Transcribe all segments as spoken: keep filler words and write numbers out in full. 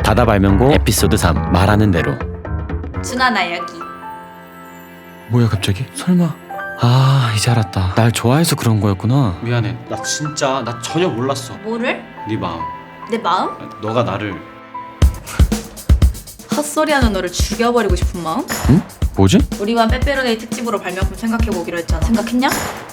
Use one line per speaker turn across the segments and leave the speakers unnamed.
바다 발명고 에피소드 삼 말하는 대로.
준아 나 여기.
뭐야 갑자기? 설마. 아 이제 알았다. 날 좋아해서 그런 거였구나.
미안해. 나 진짜 나 전혀 몰랐어.
뭐를?
네 마음.
내 마음?
너가 나를.
헛소리하는 너를 죽여버리고 싶은 마음?
응? 뭐지?
우리만 빼빼로데이 특집으로 발명품 생각해보기로 했잖아. 생각했냐?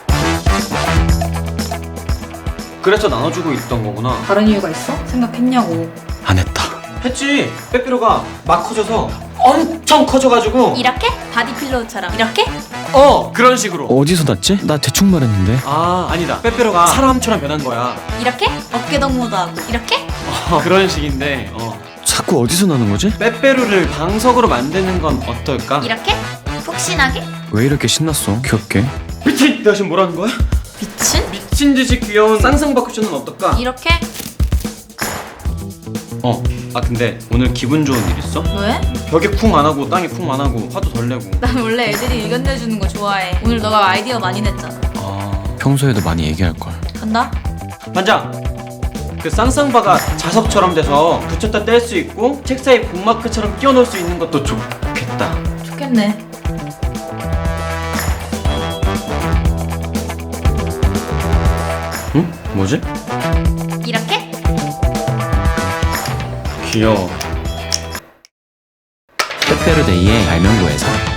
그래서 나눠주고 있던 거구나.
다른 이유가 있어? 생각했냐고.
안 했다.
했지. 빼빼로가 막 커져서 엄청 커져가지고.
이렇게? 바디필로우처럼 이렇게?
어 그런 식으로.
어디서 났지? 나 대충 말했는데.
아 아니다. 빼빼로가 사람처럼 변한 거야.
이렇게? 어깨동무도 하고 이렇게?
어, 그런 식인데. 어.
자꾸 어디서 나는 거지?
빼빼로를 방석으로 만드는 건 어떨까?
이렇게? 푹신하게?
왜 이렇게 신났어? 귀엽게.
미친! 내가 지금 뭐라는 거야?
미친?
미친 듯이 귀여운 쌍쌍바 쿠션은 어떨까?
이렇게?
어. 아 근데 오늘 기분 좋은 일 있어?
왜?
벽에 쿵 안 하고 땅에 쿵 안 하고 화도 덜 내고.
난 원래 애들이 의견 내주는 거 좋아해. 오늘 너가 아이디어 많이 냈잖아.
아 평소에도 많이 얘기할걸.
간다?
반장! 그 쌍쌍바가 자석처럼 돼서 붙였다 뗄 수 있고 책 사이 북마크처럼 끼워 넣을 수 있는 것도 좋겠다.
좋겠네.
응? 뭐지?
이렇게?
귀여워.
빼빼로데이의 발명고에서